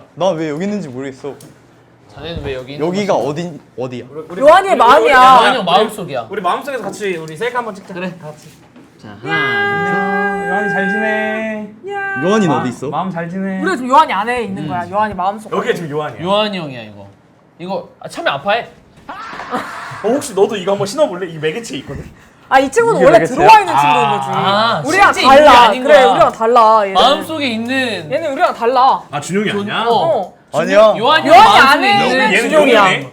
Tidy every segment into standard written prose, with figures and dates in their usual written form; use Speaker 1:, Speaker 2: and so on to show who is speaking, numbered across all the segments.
Speaker 1: 나 왜 여기 있는지 모르겠어.
Speaker 2: 자네는 왜 여기 있는
Speaker 1: 여기가
Speaker 2: 거지?
Speaker 1: 어디야?
Speaker 3: 요한이의 마음이야.
Speaker 2: 요한이 형 마음속이야.
Speaker 4: 우리 마음속에서 같이 우리 셀카 한번 찍자.
Speaker 2: 그래.
Speaker 4: 다 같이.
Speaker 2: 자, 하나,
Speaker 4: 안녕. 요한이 잘 지내.
Speaker 1: 요한이는 어디 있어?
Speaker 4: 마음 잘 지내.
Speaker 3: 우리가 지금 요한이 안에 있는 거야. 요한이 마음속.
Speaker 4: 여기가 지금 요한이야.
Speaker 2: 요한이 형이야 이거. 이거 참여 아파해?
Speaker 4: 혹시 너도 이거 한번 신어볼래? 이 매개체 있거든.
Speaker 3: 아, 이 친구는
Speaker 4: 이게
Speaker 3: 원래
Speaker 4: 되겠어요?
Speaker 3: 들어와 있는 친구인 거지.
Speaker 2: 아,
Speaker 3: 우리랑
Speaker 2: 실제 있는 게
Speaker 3: 달라.
Speaker 2: 아닌
Speaker 3: 그래,
Speaker 2: 거야.
Speaker 3: 우리랑 달라. 얘는.
Speaker 2: 마음속에 있는
Speaker 3: 얘는 우리랑 달라.
Speaker 4: 아 준용이 아니야?
Speaker 3: 어.
Speaker 1: 아니야.
Speaker 2: 요한이
Speaker 3: 요한이
Speaker 2: 마음속에
Speaker 3: 안에
Speaker 2: 있는
Speaker 3: 있는
Speaker 4: 얘는
Speaker 3: 준용이야.
Speaker 4: 용이네.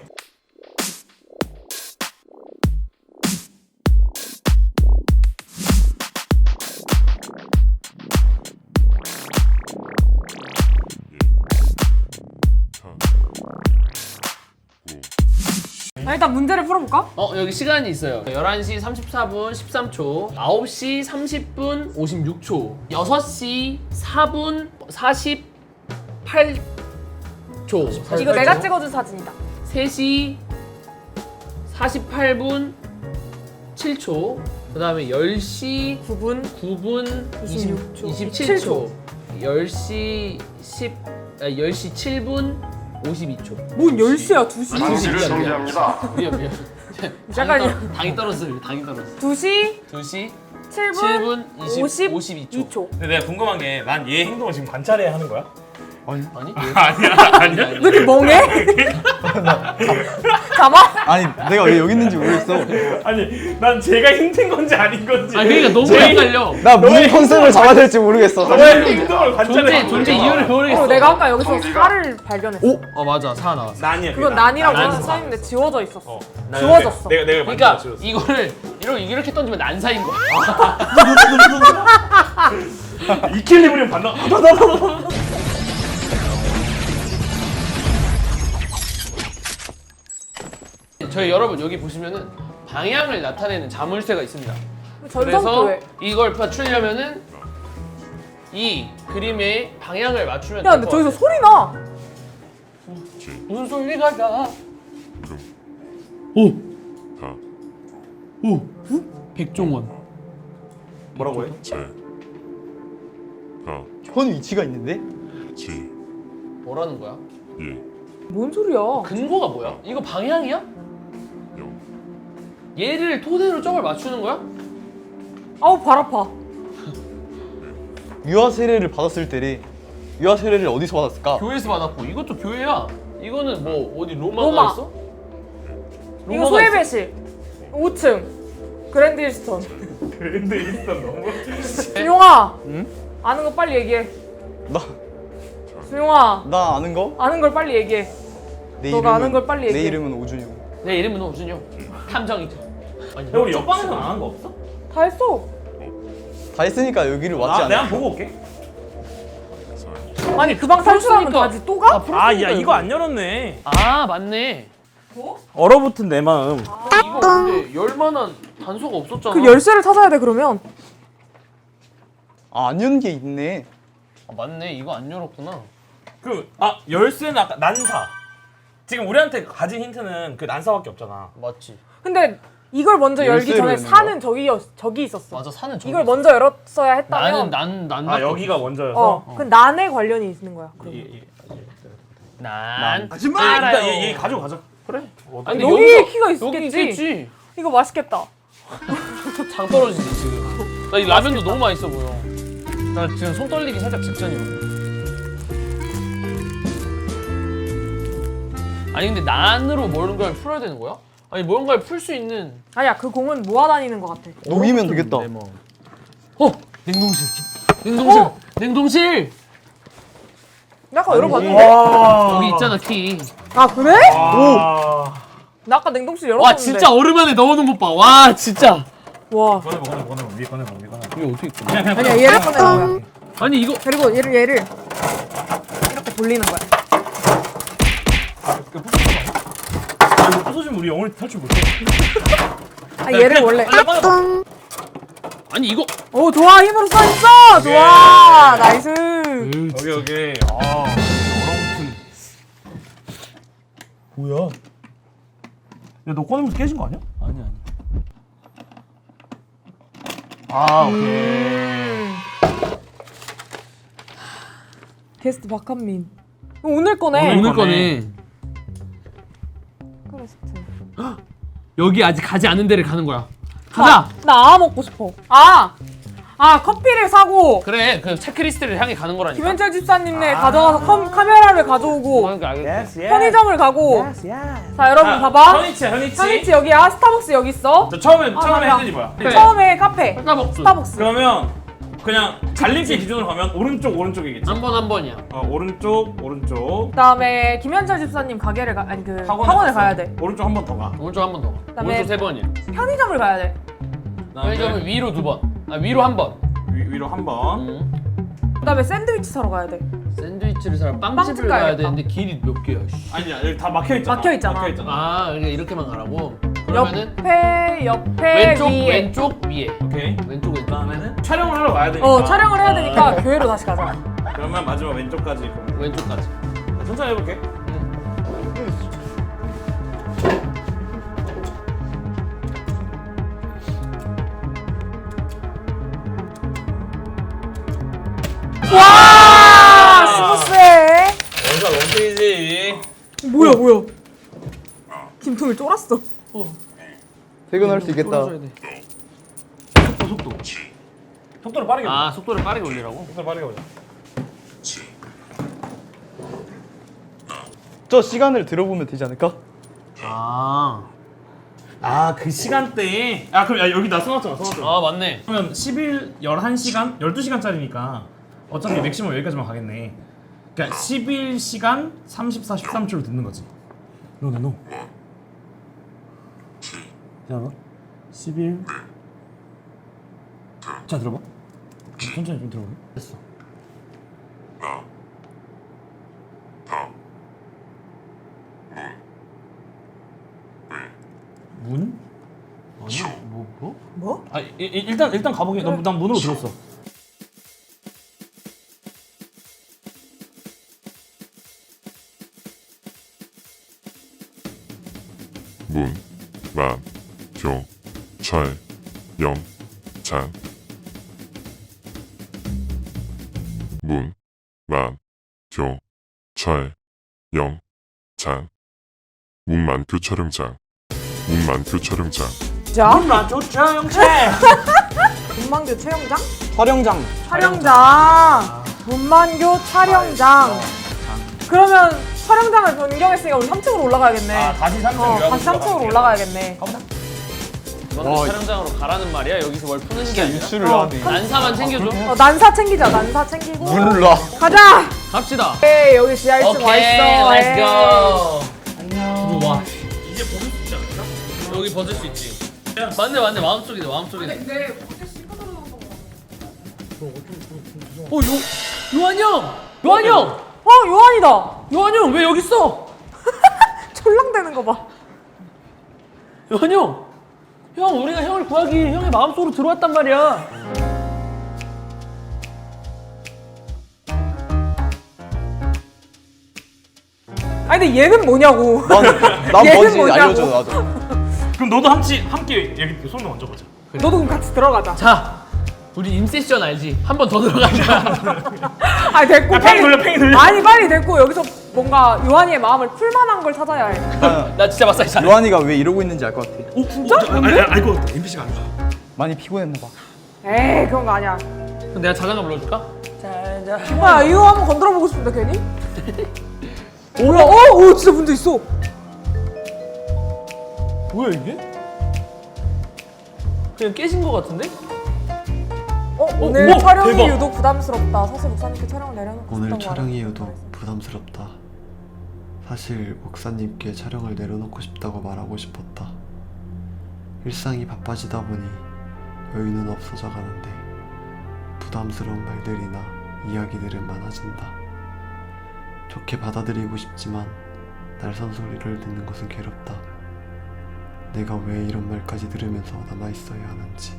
Speaker 3: 자, 일단 문제를 풀어볼까?
Speaker 2: 여기 시간이 있어요. 11시 34분 13초, 9시 30분 56초, 6시 4분 48초.
Speaker 3: 이거 내가 찍어준 사진이다.
Speaker 2: 3시 48분 7초. 그다음에 10시
Speaker 3: 9분
Speaker 2: 9분
Speaker 3: 26초.
Speaker 2: 27초. 10시 10시 7분 52초.
Speaker 3: 뭔 10시야, 2시?
Speaker 5: 당시를 정지합니다.
Speaker 2: 미안.
Speaker 3: 잠깐만요.
Speaker 2: 당이 떨어졌어요. 당이 떨어졌어.
Speaker 3: 2시
Speaker 2: 2시
Speaker 3: 7분
Speaker 2: 7분 52초.
Speaker 4: 근데 내가 궁금한 게 난 얘 행동을 지금 관찰해야 하는 거야?
Speaker 2: 아니?
Speaker 4: 아니야.
Speaker 3: 왜 이렇게 멍해? 가만?
Speaker 1: 아니 내가 왜 여기 있는지 모르겠어.
Speaker 4: 아니 난 제가 힘든 건지 아닌 건지.
Speaker 2: 그러니까 너무 헷갈려.
Speaker 1: 나 무슨 컨셉을 잡아야 될지 모르겠어.
Speaker 4: 너의 행동을 관찰해.
Speaker 2: 존재 이유를 모르겠어.
Speaker 3: 내가 아까 여기서 살을 발견했어.
Speaker 2: 맞아. 사 나왔어.
Speaker 4: 난이야.
Speaker 3: 그건 난이라고 하는 사인인데 지워져 있었어.
Speaker 4: 난
Speaker 3: 지워졌어.
Speaker 4: 내가
Speaker 2: 그러니까
Speaker 4: 만들어
Speaker 2: 이거를 이렇게 던지면 난사인 거야.
Speaker 4: 이킬리브리움 받나?
Speaker 2: 저희 여러분 여기 보시면은 방향을 나타내는 자물쇠가 있습니다.
Speaker 3: 전성도
Speaker 2: 그래서
Speaker 3: 왜?
Speaker 2: 이걸 맞추려면은 이 그림의 방향을 맞추면
Speaker 3: 야,
Speaker 2: 될
Speaker 3: 근데
Speaker 2: 것
Speaker 3: 저기서
Speaker 2: 같아요.
Speaker 3: 소리 나.
Speaker 2: 무슨 소리가 나? 오, 백종원.
Speaker 4: 뭐라고 해?
Speaker 1: 현 위치가 있는데?
Speaker 2: 뭐라는 거야?
Speaker 3: 뭔 소리야?
Speaker 2: 근거가 뭐야? 이거 방향이야? 얘를 토대로 저걸 맞추는 거야?
Speaker 3: 아우, 발 아파.
Speaker 1: 유아 세례를 받았을 때래. 유아 세례를 어디서 받았을까?
Speaker 2: 교회에서 받았고 이것도 교회야. 이거는 뭐 어디
Speaker 3: 로마.
Speaker 2: 로마가 있어?
Speaker 3: 이거
Speaker 2: 로마가
Speaker 3: 소예배실 5층 그랜드 힐스턴.
Speaker 4: 그랜드 일단 너무.
Speaker 3: 준용아,
Speaker 1: 응?
Speaker 3: 아는 거 빨리 얘기해.
Speaker 1: 나
Speaker 3: 준용아,
Speaker 1: 아는 거?
Speaker 3: 아는 걸 빨리 얘기해.
Speaker 1: 내
Speaker 3: 너가 아는 걸 빨리
Speaker 1: 내
Speaker 3: 얘기해.
Speaker 1: 이름은 오준용.
Speaker 2: 내 이름은 오준용. 탐정이죠. 아니,
Speaker 4: 야 우리 옆방에서 안 한 거 없어?
Speaker 3: 다 했어.
Speaker 1: 다 했으니까 여기를 왔지
Speaker 4: 아,
Speaker 1: 않아?
Speaker 4: 내가 한번 보고 올게.
Speaker 3: 아니, 그 방 탈출하면
Speaker 2: 풀었으니까.
Speaker 3: 다지 또 가?
Speaker 4: 아, 야 이거 안 열었네.
Speaker 2: 아 맞네.
Speaker 4: 얼어붙은 내 마음.
Speaker 2: 이거 근데 열만한 단서가 없었잖아.
Speaker 3: 그 열쇠를 찾아야 돼. 그러면
Speaker 1: 안 연 게 있네.
Speaker 2: 아, 맞네. 이거 안 열었구나.
Speaker 4: 열쇠는 아까 난사. 지금 우리한테 가진 힌트는 그 난사밖에 없잖아.
Speaker 2: 맞지.
Speaker 3: 근데 이걸 먼저 열기
Speaker 1: 열쇠로
Speaker 3: 전에
Speaker 1: 여는
Speaker 3: 사는 저기 있었어.
Speaker 2: 맞아 사는 저기
Speaker 3: 이걸
Speaker 2: 있어.
Speaker 3: 먼저 열었어야 했다면
Speaker 2: 난
Speaker 4: 아 여기가 먼저여서.
Speaker 3: 그 난에 관련이 있는 거야. 그럼.
Speaker 2: 난
Speaker 4: 일단 얘 가지고 가자. 그래.
Speaker 2: 아니,
Speaker 3: 여기에
Speaker 2: 여기서-
Speaker 3: 키가
Speaker 2: 여기
Speaker 3: 있겠지.
Speaker 2: 있겠지.
Speaker 3: 이거 맛있겠다.
Speaker 2: 장 떨어지지 지금. 나 이 라면도 너무 맛있어 보여. 나 지금 손 떨리기 살짝 직전이거든. 아니 근데 난으로 뭔가를 풀어야 되는 거야? 아니 뭔가를 풀 수 있는.
Speaker 3: 아니야, 그 공은 모아다니는 것 같아.
Speaker 1: 녹이면 되겠다.
Speaker 2: 내 마음. 냉동실. 냉동실. 냉동실.
Speaker 3: 나 아까 열어봤는데.
Speaker 2: 여기 있잖아 키.
Speaker 3: 아, 그래?
Speaker 4: 오.
Speaker 3: 나 아까 냉동실 열었었는데.
Speaker 2: 와 진짜 얼음 안에 넣어놓은 것 봐. 와 진짜.
Speaker 3: 와.
Speaker 4: 꺼내봐. 위에 꺼내봐.
Speaker 2: 이게 어떻게 꺼내?
Speaker 3: 아니야, 얘를 꺼내는 거야.
Speaker 2: 아니 이거
Speaker 3: 그리고 얘를 이렇게 돌리는 거야.
Speaker 4: 이거 부서지면 우리 영원히 탈출 못해.
Speaker 3: 아, 얘를 원래.
Speaker 2: 아니 이거.
Speaker 3: 오, 좋아. 힘으로 써 있어. 좋아. 나이스.
Speaker 4: 여기. 얼어붙은. 뭐야? 야 너 꺼내면서 깨진 거 아니야?
Speaker 2: 아니.
Speaker 4: 아 오케이.
Speaker 3: 게스트 박한민. 오늘 거네.
Speaker 4: 오늘
Speaker 2: 오늘 거네.
Speaker 3: 크레스트.
Speaker 2: 여기 아직 가지 않은 데를 가는 거야. 가자.
Speaker 3: 나 먹고 싶어. 커피를 사고
Speaker 2: 그래, 그 체크리스트를 향해 가는 거라니까.
Speaker 3: 김현철 집사님네 가져가서 카메라를 가져오고
Speaker 2: 그러니까 알겠어.
Speaker 3: 편의점을 가고. 자 여러분 봐봐. 현이치 여기야. 스타벅스 여기 있어.
Speaker 4: 처음에
Speaker 3: 맞아.
Speaker 4: 핸들이 뭐야?
Speaker 3: 처음에 카페. 스타벅스.
Speaker 4: 그러면 그냥 갈림길 기준으로 가면 오른쪽이겠지?
Speaker 2: 한 번이야.
Speaker 4: 오른쪽.
Speaker 3: 그다음에 김현철 집사님 가게를 아니 그 학원을 가야 돼.
Speaker 4: 오른쪽 한 번 더 가.
Speaker 2: 오른쪽 한 번 더.
Speaker 3: 그다음에
Speaker 2: 오른쪽 3번이야.
Speaker 3: 편의점을 가야 돼.
Speaker 2: 편의점은 위로 2번. 위로 1번.
Speaker 4: 위로 한 번.
Speaker 3: 그다음에 샌드위치 사러 가야 돼.
Speaker 2: 샌드위치를 사러 빵집을
Speaker 3: 빵집
Speaker 2: 가야
Speaker 3: 가야겠다.
Speaker 2: 되는데 길이 몇 개야? 씨.
Speaker 4: 아니야 여기 다 막혀 있잖아.
Speaker 3: 막혀있잖아.
Speaker 2: 그러니까 이렇게만 가라고. 그러면은
Speaker 3: 옆에 위에.
Speaker 2: 왼쪽 위에.
Speaker 4: 오케이.
Speaker 2: 왼쪽.
Speaker 4: 그다음에는 촬영을 하러 가야 되니까.
Speaker 3: 촬영을 해야 되니까 교회로 다시 가자.
Speaker 4: 그러면 마지막 왼쪽까지.
Speaker 2: 왼쪽까지.
Speaker 4: 천천히 해볼게.
Speaker 3: 와 스무스해.
Speaker 4: 원사 원필이지.
Speaker 3: 뭐야? 김통일 쫄았어.
Speaker 1: 퇴근할 수 있겠다.
Speaker 2: 떨어져야 돼.
Speaker 4: 속도. 속도를 빠르게.
Speaker 2: 속도를 빠르게 올리라고?
Speaker 4: 속도를 빠르게 보자.
Speaker 1: 저 시간을 들어보면 되지 않을까?
Speaker 4: 그 시간대에. 그럼 여기 나 써놨잖아.
Speaker 2: 맞네.
Speaker 4: 그러면 11시간? 12시간짜리니까 어차피 맥시멈 여기까지만 가겠네. 그러니까 11시간 34, 13초를 듣는 거지. 노. 기다려봐. 11. 자, 들어봐. 천천히 좀 들어볼래? 됐어. 문?
Speaker 2: 아니야. 뭐?
Speaker 4: 일단 가보게. 난 문으로 들었어.
Speaker 5: 문, 만, 교, 철, 영, 장. 문, 만, 교, 철, 영, 장. 문만교 촬영장. 문만교 촬영장.
Speaker 3: 자,
Speaker 4: 문만교 촬영장.
Speaker 3: 문만교 촬영장?
Speaker 1: 촬영장.
Speaker 3: 문만교 촬영장. 그러면 촬영장을 변경했으니까 우리 3층으로 올라가야겠네.
Speaker 4: 다시 3층
Speaker 3: 다시 3층으로 올라가야겠네.
Speaker 2: 이번 촬영장으로 가라는 말이야? 여기서 뭘 푸는 게 아니라?
Speaker 1: 유출을 하네.
Speaker 2: 난사만 챙겨줘.
Speaker 3: 난사 챙기자. 난사 챙기고.
Speaker 1: 몰라.
Speaker 3: 가자.
Speaker 2: 갑시다.
Speaker 3: 오케이, 여기 지하 1층 와 있어.
Speaker 2: let's go.
Speaker 4: 안녕.
Speaker 2: 와,
Speaker 4: 이제 보는 수 있지 않을까?
Speaker 2: 여기 벗을 수 있지. 맞네. 마음속이네.
Speaker 3: 근데
Speaker 2: 요한 형! 요한
Speaker 3: 요한이다.
Speaker 2: 형 왜 여기 있어?
Speaker 3: 철랑대는 거 봐.
Speaker 2: 요한 형! 형, 우리가 형을 구하기 위해 형의 마음속으로 들어왔단 말이야.
Speaker 3: 아니 근데 얘는 뭐냐고.
Speaker 1: 난
Speaker 3: 얘는
Speaker 1: 뭔지
Speaker 3: 뭐냐고.
Speaker 1: 알려줘 나도.
Speaker 4: 그럼 너도 함께 여기 손을 얹어보자.
Speaker 3: 너도 그럼 같이 들어가자.
Speaker 2: 자, 우리 인세션 알지? 한 번 더 들어가자.
Speaker 3: 아니 됐고
Speaker 4: 팽이 돌려.
Speaker 3: 아니 빨리 됐고 여기서 뭔가 요한이의 마음을 풀만한 걸 찾아야 해.
Speaker 2: 나 진짜 마사지 잘해.
Speaker 1: 요한이가 왜 이러고 있는지 알 것 같아.
Speaker 3: 진짜?
Speaker 4: 알것 같아. NPC가 아니야.
Speaker 1: 많이 피곤했나 봐.
Speaker 3: 에이 그런 거 아니야.
Speaker 2: 그럼 내가 자장가 불러줄까?
Speaker 3: 아 이거 한번 건드려 보고 싶은데 괜히? 뭐야? 오 진짜 문제 있어.
Speaker 2: 뭐야 이게? 그냥 깨진 거 같은데?
Speaker 3: 오늘
Speaker 2: 우와,
Speaker 3: 촬영이
Speaker 2: 대박.
Speaker 3: 유독 부담스럽다. 사실 목사님께 촬영을 내려놓고
Speaker 6: 오늘
Speaker 3: 싶다고
Speaker 6: 촬영이
Speaker 3: 말했-
Speaker 6: 유독 부담스럽다. 사실 목사님께 촬영을 내려놓고 싶다고 말하고 싶었다. 일상이 바빠지다 보니 여유는 없어져 가는데 부담스러운 말들이나 이야기들은 많아진다. 좋게 받아들이고 싶지만 날 선소리를 듣는 것은 괴롭다. 내가 왜 이런 말까지 들으면서 남아있어야 하는지.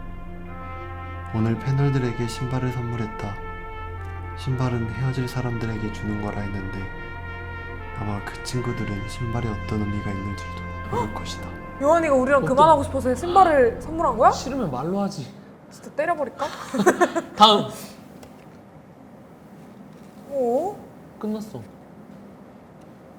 Speaker 6: 오늘 패널들에게 신발을 선물했다. 신발은 헤어질 사람들에게 주는 거라 했는데 아마 그 친구들은 신발에 어떤 의미가 있는 줄도 모를 것이다.
Speaker 3: 요한이가 우리랑 그만하고 싶어서 신발을 선물한 거야?
Speaker 2: 싫으면 말로 하지.
Speaker 3: 진짜 때려버릴까?
Speaker 2: 다음.
Speaker 3: 오?
Speaker 2: 끝났어.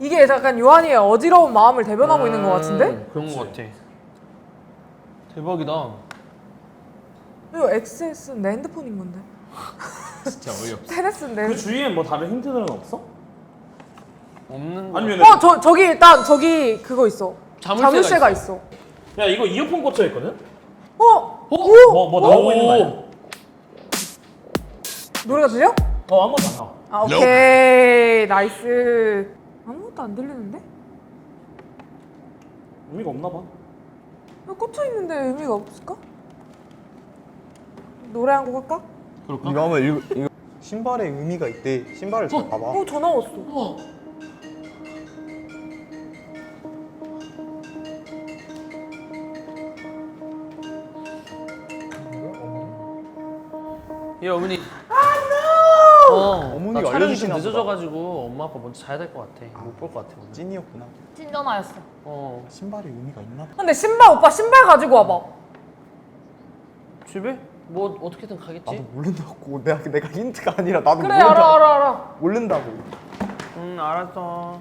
Speaker 3: 이게 약간 요한이의 어지러운 마음을 대변하고 있는 것 같은데?
Speaker 2: 그런 것 같아. 대박이다.
Speaker 3: 이거 XS는 내 핸드폰인 건데.
Speaker 2: 진짜 어이없어.
Speaker 3: 테레스인데.
Speaker 4: 그 주위엔 뭐 다른 힌트들은 없어?
Speaker 2: 없는 거.
Speaker 4: 아니면
Speaker 3: 저기 일단 저기 그거 있어. 자물쇠가 있어.
Speaker 4: 야 이거 이어폰 꽂혀 있거든?
Speaker 3: 오!
Speaker 4: 뭐 나오고 있는 거 아니야?
Speaker 3: 노래가 들려?
Speaker 4: 아무것도 안 나와.
Speaker 3: 아 오케이 나이스. 아무것도 안 들리는데?
Speaker 4: 의미가 없나 봐.
Speaker 3: 꽂혀 있는데 의미가 없을까? 노래 한 곡 할까?
Speaker 2: 그럴까?
Speaker 1: 이거 하면 이거 신발에 의미가 있대. 신발을 잘 봐봐.
Speaker 3: 전화 왔어.
Speaker 2: 예 어머니.
Speaker 1: 어머니가
Speaker 2: 나 촬영이 좀
Speaker 1: 알려주시나 보다.
Speaker 2: 늦어져가지고 엄마 아빠 먼저 자야 될 것 같아. 못 볼 것 같아. 오늘.
Speaker 1: 찐이었구나.
Speaker 3: 찐 전화였어.
Speaker 1: 신발에 의미가 있나 봐.
Speaker 3: 근데 오빠 신발 가지고 와봐.
Speaker 2: 집에? 뭐 어떻게든 가겠지?
Speaker 1: 나도 모른다고. 내가 힌트가 아니라 나도
Speaker 3: 그래
Speaker 1: 모른다고.
Speaker 3: 알아.
Speaker 1: 모른다고.
Speaker 2: 알았어.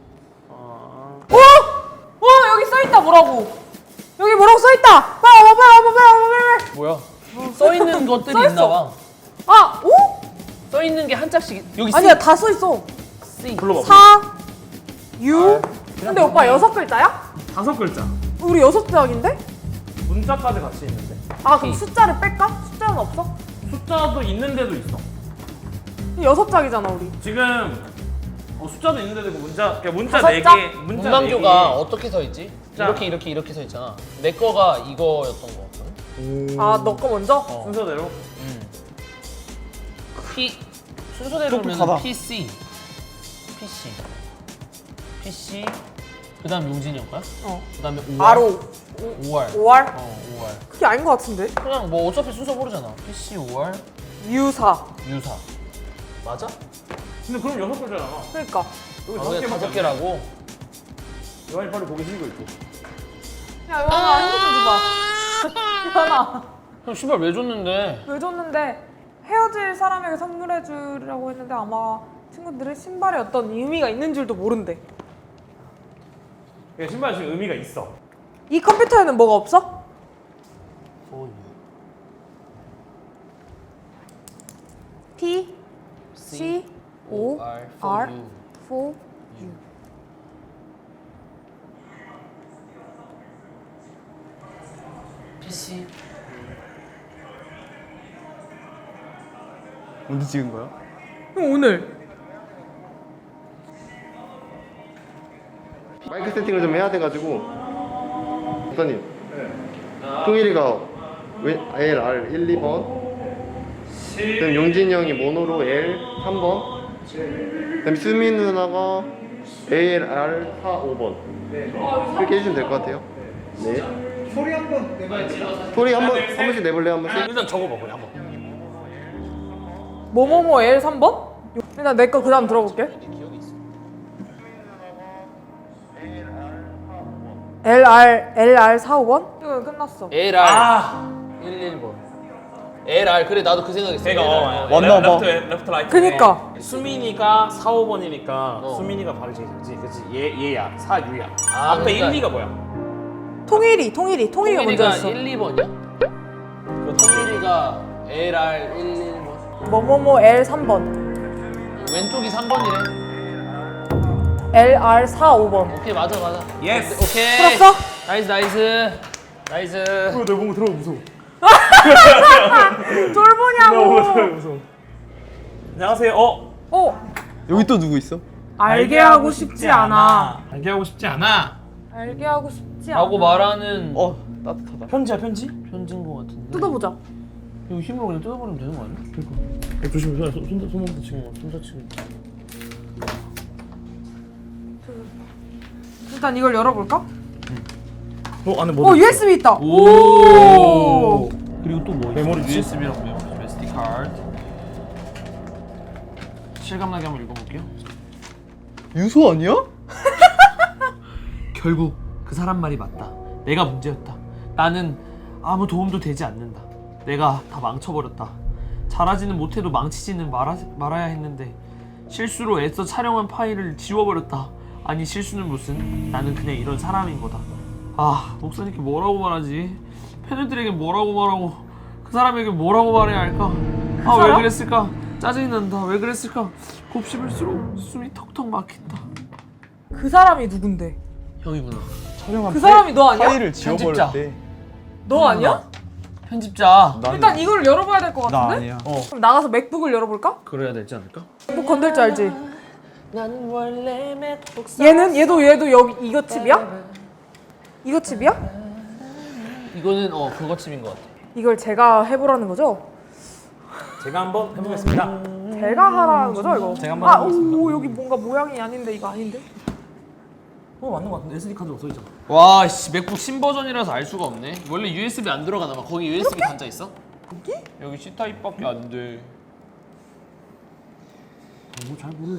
Speaker 3: 여기 써있다 뭐라고. 여기 뭐라고 써있다. 빨리.
Speaker 2: 뭐야? 써 있는 것들이
Speaker 3: 써 있어.
Speaker 2: 있나 봐.
Speaker 3: 아 오?
Speaker 2: 써 있는 게 한 짝씩 여기
Speaker 3: 아니야 다 써있어.
Speaker 2: C.
Speaker 4: 불러봐.
Speaker 3: 4 U. 근데 오빠 6글자야?
Speaker 4: 5글자.
Speaker 3: 우리 6장인데?
Speaker 4: 문자까지 같이 있는데.
Speaker 3: 아 그럼 숫자를 뺄까? 숫자는 없어?
Speaker 4: 숫자도 있는데도 있어.
Speaker 3: 6장이잖아 우리.
Speaker 4: 지금 숫자도 있는데도 있고 문자
Speaker 3: 5 자?
Speaker 4: 4개 문자
Speaker 2: 문방교가
Speaker 4: 4개.
Speaker 2: 어떻게 서 있지?
Speaker 4: 자.
Speaker 2: 이렇게 서 있잖아. 내 거가 이거였던 거 같거든.
Speaker 3: 아 너 거 먼저?
Speaker 4: 순서대로.
Speaker 2: 순서대로면
Speaker 1: 똑똑하다.
Speaker 2: PC. 그다음 용진이 형 거야? 그다음에 5월.
Speaker 3: 아로
Speaker 2: 5월.
Speaker 3: 5월?
Speaker 2: 5월.
Speaker 3: 그게 아닌 것 같은데?
Speaker 2: 그냥 뭐 어차피 순서 모르잖아. PC 5월
Speaker 3: U4.
Speaker 2: 유사. 맞아?
Speaker 4: 근데 그럼 6글자잖아.
Speaker 3: 그러니까
Speaker 4: 여기
Speaker 2: 아,
Speaker 4: 5개밖에
Speaker 2: 그게 5개라고?
Speaker 4: 요한이 빨리 보기 싫은 거 있고.
Speaker 3: 야 요한아 핸드폰 줘봐. 요한아
Speaker 2: 형 신발 왜 줬는데?
Speaker 3: 왜 줬는데 헤어질 사람에게 선물해 주려고 했는데 아마 친구들이 신발에 어떤 의미가 있는 줄도 모른대.
Speaker 4: 신발 지금 의미가 있어.
Speaker 3: 이 컴퓨터에는 뭐가 없어? P C O R 4 U.
Speaker 2: PC.
Speaker 1: 언제 찍은 거야?
Speaker 3: 오늘
Speaker 6: 마이크 세팅을 좀 해야 돼가지고 박사님 통일이가 LR 1, 2번 그다음 용진이 형이 모노로 L 3번 그다음 수민 누나가 ALR 4, 5번 그렇게 해주시면 될 것 같아요. 네. 소리 한번 내봐야지. 소리 한 번씩 내볼래요? 한 번씩?
Speaker 2: 일단 적어봐 그냥 한번.
Speaker 3: 뭐뭐뭐 L 3번? 일단 내 거 그 다음 들어볼게. LR 4, 5번? 이거 끝났어.
Speaker 2: LR 111번. LR 그래 나도 그 생각했어.
Speaker 4: 내가
Speaker 1: 맞나 봐.
Speaker 4: 레프트 라이트.
Speaker 3: 그니까.
Speaker 4: 수민이가 4, 5번이니까
Speaker 2: 어.
Speaker 4: 수민이가 발이 제일 잘지. 그렇지. 얘야. 4, 6야.
Speaker 2: 아,
Speaker 4: 앞에
Speaker 2: 그러니까
Speaker 4: 1, 2가 뭐야?
Speaker 3: 통일이가
Speaker 2: 통일이가
Speaker 3: 먼저였어.
Speaker 2: 1, 2번이야? 통일이가 LR 111번.
Speaker 3: 뭐뭐뭐 L 3번.
Speaker 2: 왼쪽이 3번이래.
Speaker 3: LR 4, 5번.
Speaker 2: 오케이 맞아.
Speaker 4: 예스.
Speaker 2: 오케이.
Speaker 3: 풀었어?
Speaker 2: 나이스.
Speaker 4: 내 보고 들어가 무서워.
Speaker 3: 쫄보냐고.
Speaker 4: 무서워. 안녕하세요.
Speaker 1: 여기 또 누구 있어?
Speaker 3: 알게 하고 싶지 않아.
Speaker 4: 알게 하고 싶지 않아.
Speaker 3: 알게 하고 싶지 않아.
Speaker 2: 라고 말하는
Speaker 1: 따뜻하다.
Speaker 4: 편지야 편지?
Speaker 2: 편지인 것 같은데.
Speaker 3: 뜯어보자.
Speaker 2: 이거 힘으로 그냥 뜯어버리면 되는 거 아니야?
Speaker 4: 그러니까. 조심해. 손목 다치고.
Speaker 2: 손 다치고.
Speaker 3: 일단 이걸 열어볼까?
Speaker 4: 안에 뭐?
Speaker 3: USB 있다.
Speaker 2: 오. 그리고 또 뭐?
Speaker 4: 메모리지?
Speaker 2: USB라고 메모리. SD 카드. 실감나게 한번 읽어볼게요.
Speaker 1: 유소 아니야?
Speaker 2: 결국 그 사람 말이 맞다. 내가 문제였다. 나는 아무 도움도 되지 않는다. 내가 다 망쳐버렸다. 잘하지는 못해도 망치지는 말아야 했는데 실수로 애써 촬영한 파일을 지워버렸다. 아니 실수는 무슨, 나는 그냥 이런 사람인 거다. 아, 목사님께 뭐라고 말하지? 팬들에게 뭐라고 말하고 그 사람에게 뭐라고 말해야 할까? 아, 왜
Speaker 3: 사람?
Speaker 2: 그랬을까? 짜증이 난다. 왜 그랬을까? 곱씹을수록 숨이 턱턱 막힌다.
Speaker 3: 그 사람이 누군데?
Speaker 2: 형이구나.
Speaker 1: 촬영한
Speaker 3: 그 사람이 너 아니야?
Speaker 1: 파일을
Speaker 2: 편집자.
Speaker 1: 지워버렸대.
Speaker 3: 너 아니야?
Speaker 2: 편집자.
Speaker 3: 일단 이걸 열어봐야 될 것
Speaker 1: 나
Speaker 3: 같은데?
Speaker 1: 아니야.
Speaker 3: 그럼 나가서 맥북을 열어볼까?
Speaker 2: 그래야 되지 않을까?
Speaker 3: 맥북 건들 줄 알지?
Speaker 2: 난 원래 맥북
Speaker 3: 얘도 여기 이거 칩이야? 이거 칩이야?
Speaker 2: 이거는 그거 칩인 것 같아.
Speaker 3: 이걸 제가 해보라는 거죠?
Speaker 4: 제가 한번 해보겠습니다.
Speaker 3: 제가 하라는 거죠 이거?
Speaker 4: 제가 한번
Speaker 3: 아,
Speaker 4: 해보겠습니다.
Speaker 3: 오 여기 뭔가 모양이 아닌데 이거 아닌데?
Speaker 4: 맞는 것 같은데 SD 카드가 써 있잖아.
Speaker 2: 와, 씨, 맥북 신버전이라서 알 수가 없네. 원래 USB 안 들어가나 봐. 거기 USB 단자 있어? 여기 C 타입밖에 안 돼.
Speaker 4: 잘 몰라.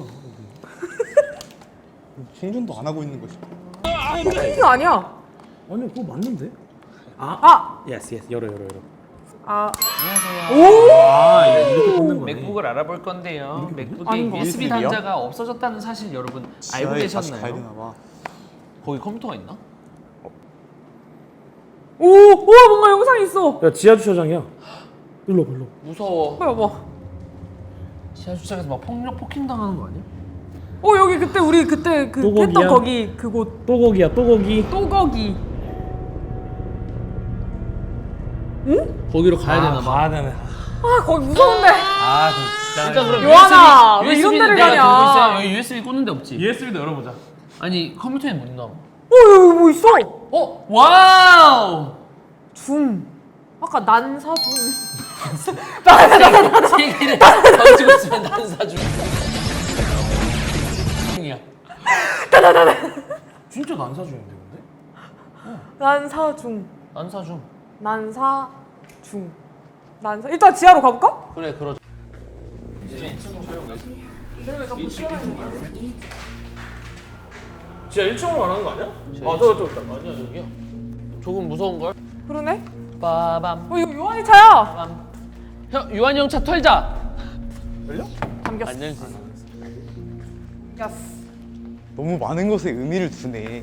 Speaker 1: 충전도 안 하고 있는 거지.
Speaker 3: 이거 아니야.
Speaker 4: 아니 그거 맞는데?
Speaker 3: 아!
Speaker 4: 예스 열어.
Speaker 3: 아,
Speaker 4: 아 이렇게 꽂는 거네.
Speaker 2: 맥북을 알아볼 건데요. 맥북에
Speaker 3: 아닌 것
Speaker 2: USB
Speaker 1: 같은데요?
Speaker 2: 단자가 없어졌다는 사실 여러분 알고
Speaker 1: 지하에 다시 가야
Speaker 2: 계셨나요?
Speaker 1: 되나 봐.
Speaker 2: 거기 컴퓨터가 있나?
Speaker 3: 오, 우와 뭔가 영상이 있어.
Speaker 4: 야 지하 주차장이야. 일로 와.
Speaker 2: 무서워.
Speaker 3: 봐봐.
Speaker 2: 지하 주차장에서 막 폭행 당하는 거 아니야?
Speaker 3: 여기 그때 우리 그때 그
Speaker 4: 또거기야?
Speaker 3: 했던 거기 그곳
Speaker 4: 또 거기야 또 거기.
Speaker 3: 또거기.
Speaker 2: 거기로 가야 되나 봐.
Speaker 4: 가야 되네.
Speaker 3: 아 거기 무서운데.
Speaker 4: 아 그럼 진짜.
Speaker 2: 일단 그럼
Speaker 3: 요한아, 왜
Speaker 2: USB
Speaker 3: 이런 데를
Speaker 2: 내가
Speaker 3: 가냐?
Speaker 2: 들고 있어요. 여기 USB 꽂는 데 없지?
Speaker 4: USB도 열어보자.
Speaker 2: 아니 컴퓨터에 못 나와.
Speaker 3: 여기 뭐 있어?
Speaker 2: 와우!
Speaker 3: 줌. 아까 난사줌.
Speaker 2: 세 개를 던지고 있으면 난 사주. 이야.
Speaker 4: 진짜 난사중인데 근데?
Speaker 3: 난사중.
Speaker 2: 난 사주.
Speaker 3: 난사중. 난사. 일단 지하로 가볼까?
Speaker 2: 그래 그러자.
Speaker 4: 지하 1층으로 가는 거 아니야? 저기 있다.
Speaker 2: 아니야 여기야. 조금 무서운 걸.
Speaker 3: 그러네.
Speaker 2: 빠밤.
Speaker 3: 이거 요한이 차야.
Speaker 2: 빰. 형 유한이 형 차 털자.
Speaker 3: 잠겼어.
Speaker 2: 안 열지.
Speaker 3: 야스.
Speaker 1: 너무 많은 것에 의미를 두네.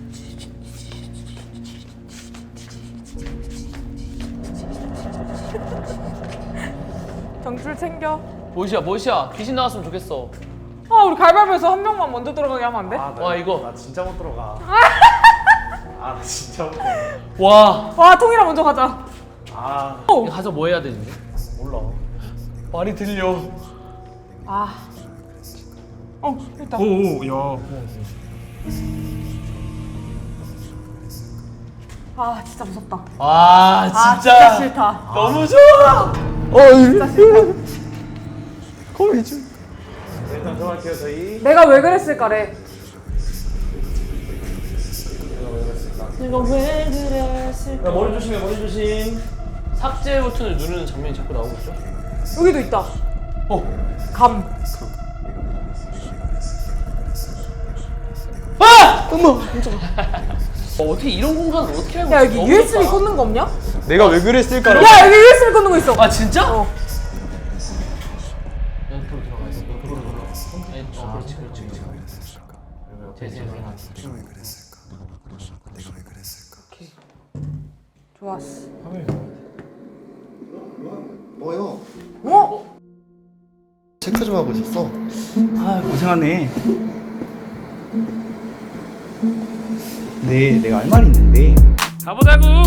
Speaker 3: 정줄 챙겨.
Speaker 2: 멋이야. 귀신 나왔으면 좋겠어.
Speaker 3: 아 우리 가위바위보에서 한 명만 먼저 들어가게 하면 안 돼?
Speaker 2: 와 이거.
Speaker 4: 나 진짜 못 들어가. 나 진짜 못 들어가.
Speaker 2: 와.
Speaker 3: 와 통이랑 먼저 가자.
Speaker 2: 이거 가서 뭐 해야 되는데?
Speaker 4: 몰라.
Speaker 2: 말이 들려.
Speaker 3: 아. 일단.
Speaker 4: 야.
Speaker 3: 아 진짜 무섭다.
Speaker 2: 와
Speaker 3: 아 진짜 싫다.
Speaker 2: 너무 좋아.
Speaker 3: 진짜 싫다.
Speaker 1: 거미 좀.
Speaker 4: 일단 들어갈게요 저희.
Speaker 3: 내가 왜 그랬을까래.
Speaker 2: 내가 왜 그랬을까?
Speaker 4: 야, 머리 조심해 머리 조심.
Speaker 2: 삭제 버튼을 누르는 장면이 자꾸 나오고 있죠?
Speaker 3: 여기도 있다. 감.
Speaker 2: 어떻게 이런 공간을 어떻게 알고
Speaker 3: 야
Speaker 2: 있어?
Speaker 3: 여기
Speaker 2: 너무
Speaker 3: USB
Speaker 2: 좋다.
Speaker 3: 꽂는 거 없냐?
Speaker 1: 내가 왜 그랬을까라고.
Speaker 3: 야 여기 USB 꽂는 거 있어.
Speaker 2: 아 진짜?
Speaker 3: 어.
Speaker 2: 옆으로 들어가야 돼. 옆으로 들어가. 그렇지.
Speaker 3: 좋았어.
Speaker 6: 뭐요?
Speaker 3: 어?
Speaker 6: 체크 좀 하고 있었어.
Speaker 7: 아 고생하네. 네, 내가 할 말이 있는데
Speaker 2: 가보자고.